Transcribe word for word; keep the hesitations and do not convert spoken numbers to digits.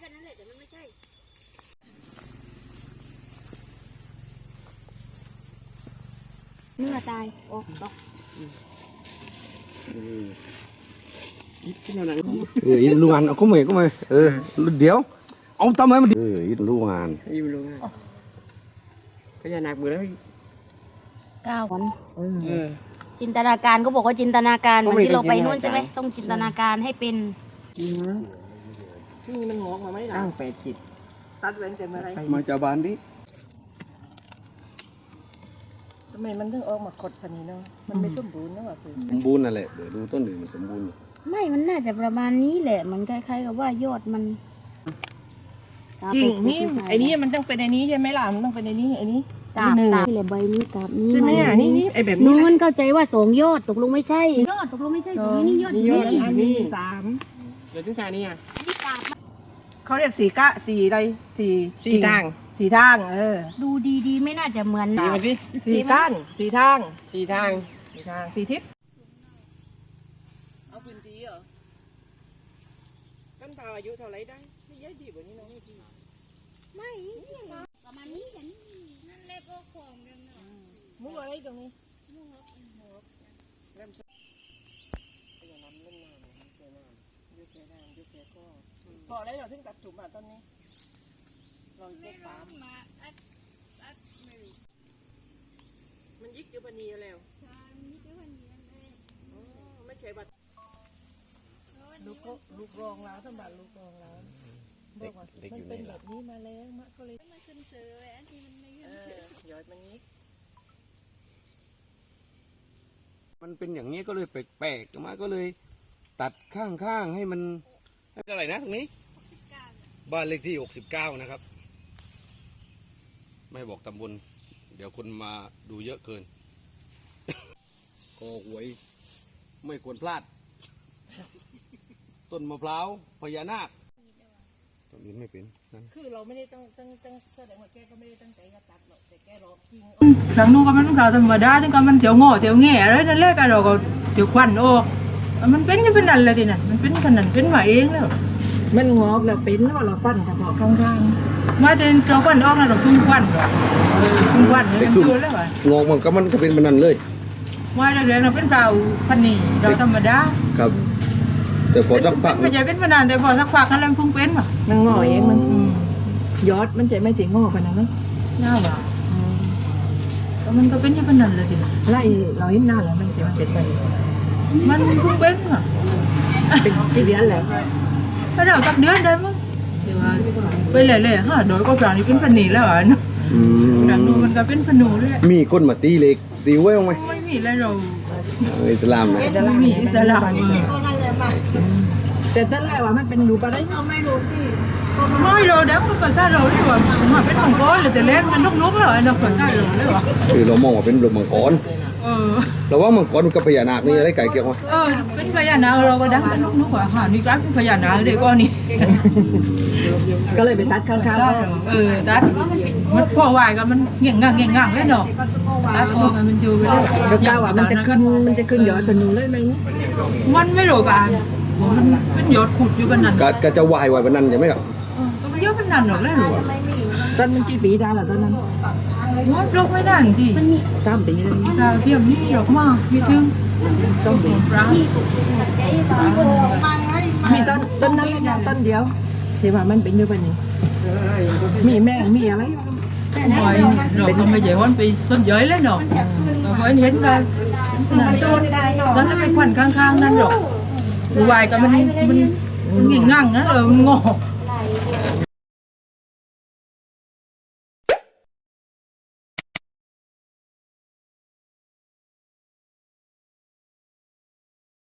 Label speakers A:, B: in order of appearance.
A: นั้นแหละแต่มันไม่ใช่เนื้อตายโอ้ตก
B: เอออินลูกงานเอาเข้ามาเข้ามาเออเดี๋ยวเอาทำไมมันเอออินลูกงาน
C: อิ่มลงอ่ะพญานาคเบื่อแล้ว
A: เก้าวัน
C: เออ
A: จินตนาการก็บอกว่าจินตนาการเหมือนที่เราไปนู่นใช่ไหมต้องจินตนาการให้เป็น
D: นี่มันงอกมาไหมล่ะ
C: อ้างแปดจิต
D: ตัดเว้นแต่เมื่อไร
B: มาจากบ้านดิ
D: ทำไมมันถึงออกมาขดพันนี้เนาะมันไม่สมบูรณ์นะว่ะคือ
B: สมบูรณ์นั่นแหละเดี๋ยวดูต้นหนึ่งมันสมบูรณ์
A: ไม่มันน่าจะประมาณนี้แหละมันคล้ายๆกับว่ายอดมัน
D: จริงนี่ไอ้นี่มันต้องเป็นไอ้นี้ใช่ไหมล่ะมันต้องเป็นไอ้นี้ไอ้นี้
A: กาบกาบนี่แหละใบนี้กาบนี้
D: ใช่ไหมอ่ะนี่นี่ไอ้แบบนี้
A: นู้นเข้าใจว่าสองยอดตกลงไม่ใช่ยอดตกลงไม่ใช่ตรงนี้นี่ยอด
D: นี่
A: นี่
D: ยอดอันนี้สาม
C: เดี๋ยวถึงชานี่อ่ะ
A: นี่กาบ
D: เขาเรียกสี่กะสี่อะไรสี่
C: สี่ทาง
D: สี่ทางเออ
A: ดูดีๆไม่น่าจะเหมือน
C: ดีมาสิ
D: สี่ก้านสี่ทาง
C: สี่ทาง
D: สี่ทางสี่ทิศเอาพื้นที่เหรอกันพาอายุเท่าไรได้ไม่เยอะดีกว่านี้น้องไม่ดี
A: ไม่ประมาณนี้กันนั่นแหละก็ของเดิมเนาะ
D: มุกอะไรตรงนี้พอได้เราถึงตัดถุ่มอ่ะตอนนี้เราเก็บปามมันยิกอยู่ปนีแล้วไม่ใช่บัตรลูกลูกรองแล้วสมบัติลูกรองแล้วบอกว่ามันเป็นแบบนี้มาแล้วมะก็เลยมาขึ้นเสืออันที่มันไม่เออยอดมันยิก
B: มันเป็นอย่างนี้ก็เลยแปลกๆมาก็เลยตัดข้างๆให้มันอะไรนะตรงนี้บ้านเลขที่หกสิบเก้านะครับไม่บอกตำบลเดี๋ยวคนมาดูเยอะเกิน ก็หวยไม่ควรพลาด ต้นมะพร้าวพญานาคต้นนี้ไม่เป็นนั่น
D: คือเราไม่ได้ตั้งตั้งตั้งแสดงว่าแกก็ไม่ได้ตั้งใจจะตัดหรอกแต่แกรอกิง
E: ครั้งนู้นก็มันข่าวธรรมดาถึงก็มันเถียวงอเถียวแง่อะไรนั่นแหละก็เราก็เถียวควันออกมันเป็นยังเป็นนั่นเลยทีนั้นมันเป็นขนาดเป็นมาเองแล้ว
D: มันงอกแล้วเป็นแล้วเราฟันกระบอกข้าง
E: มาแต่เราควันออกแล้วเราคุ้มควันก่อนคุ้มควันเนี่ยมันเชื่อแล้วว่ะ
B: งอกมันก็มันก็เป็นมันนั่นเลย
E: ว่าเราเรียนเราเป็นเราพันนี่เราธรรมดา
B: ครับ แต่พอสักพัก
E: ไม่ใช่เป็นมานานแต่พอสักพักนั่นแหละพุ่งเป็นว่ะ
D: ๆมันงอเองมันยอดมันจะไม่ถึงงอกันนะเนาะ
E: น่าว่ะแล้วมันก็เป็นยังเป็นนั่นเลยทีนั้น
D: ไล่เราเห็นหน้าแล้วมันจะมันเป็นไป
E: มันพุ่งเป็นว่ะ
D: เป็นที่เดือนแหละ
E: ถ้าเราสักเดือนได้มั้งเดี๋ยวว่าไปเลยๆฮะโดยก็ปลานี่เป็นพันนี่แล้วอ่ะเนาะ
B: อืม
E: หลังนู้นมันก็เป็นพนูเลย
B: มีก้นมาตีเล็กตีไว้บ้างไหม
E: ไม่มีแล้วเรา
B: อิสลามนะ
E: ไม่มีอิสระ
D: แต่ตั้งแต่ว่ามันเป็นรูปอะไรเนาะไม่รู้สิ
E: ไม่เราเด็กมันภาษาเราดีกว่ามาเป็นมังกรเลยแต่เล่นกันนกๆเลยนกภาษาเราเลยวะ
B: คือเรามองว่าเป็นลูกมังกร
E: เออ
B: เราว่ามังกรกับพญานาคนี่อะไรไก่เกี่ยววะ
E: เออเป็นพญานาคเราก็ดังเป็นนกๆว่ะหานี่กลายเป็นพญานาคเลยก็นี่
D: ก็เลยไปตัดข้างๆก็
E: เออตัดมันพ่อวายกันมันเงี้ยงงังเงี้ยงงังเลยเนาะตัดออกมันอยู่ไปเลย
D: ก็กล้าว่ามันจะขึ้นมันจะขึ้นยอดเป็นรูเลยไหม
E: มันไม่รู้กันมันเป็นยอดขุดอยู่บนนั้น
B: กะกะจะวายวายวันนั้นใช่ไหมครับ
E: ก็มันเยอะบนนั้นหรอกเลยหรอ
D: ตอนมันกี่ปีได้ล่ะตอนนั้น
E: ว่าโรคไม่นั่นที่
D: สามปีเลย
E: ดาวเทียมนี่หรอกมากมีถึง
D: ต้องปี
E: ปลา
D: มีต้นต้นนั้นเลยนะต้นเดียวที่ว่ามันเป็นอยู่แบบนี้มีแม่มีอะไร
E: หอยเราก็ไม่ใช่วันไปส้นเย้ยเลยเนาะเราก็เห็นกันนั่นแล้วไปควันข้างๆนั่นหรอกวายก็มันมันมันงิ่งงั่งนะเออมันงอ